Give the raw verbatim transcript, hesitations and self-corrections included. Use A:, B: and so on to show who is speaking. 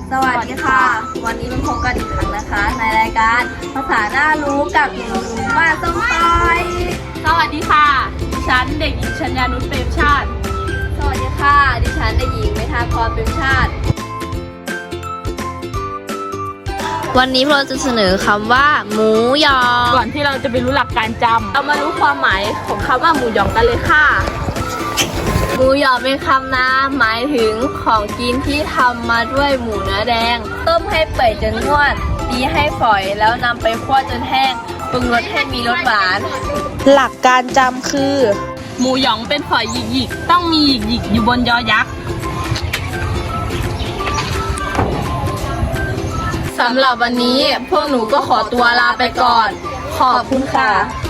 A: สวัสดีค่ะ วันนี้มาพบกันอีกครั้งนะคะ ในรายการภาษาน่ารู้กับหนูบ้านส้มปอย
B: สวัสดีค่ะดิฉันเด็กหญิงชัญญานุชเปรมชาติ
A: สวัสดีค่ะ ดิฉันเด็กหญิงเมธาพรเปรมชาติ วันนี้เราจะเสนอคำว่า หมูยอ
B: ก่อนที่เราจะไปรู้หลักการจำเรามารู้ความหมายของคำว่าหมูหยองกันเลยค่ะ
A: หมูหยองเป็นคำนามหมายถึงของกินที่ทำมาด้วยหมูเนื้อแดง ต้มให้เปื่อยจนนวดตีให้ฝอยแล้วนำไปคั่วจนแห้งปรุงรสให้มีรสหวาน
C: หลักการจำคือ
B: หมูหยองเป็นฝอยหยิกๆต้องมีหยิกๆอยู่บนยอยักษ์สำหรับวันนี้พวกหนูก็ขอตัวลาไปก่อน ขอบคุณค่ะ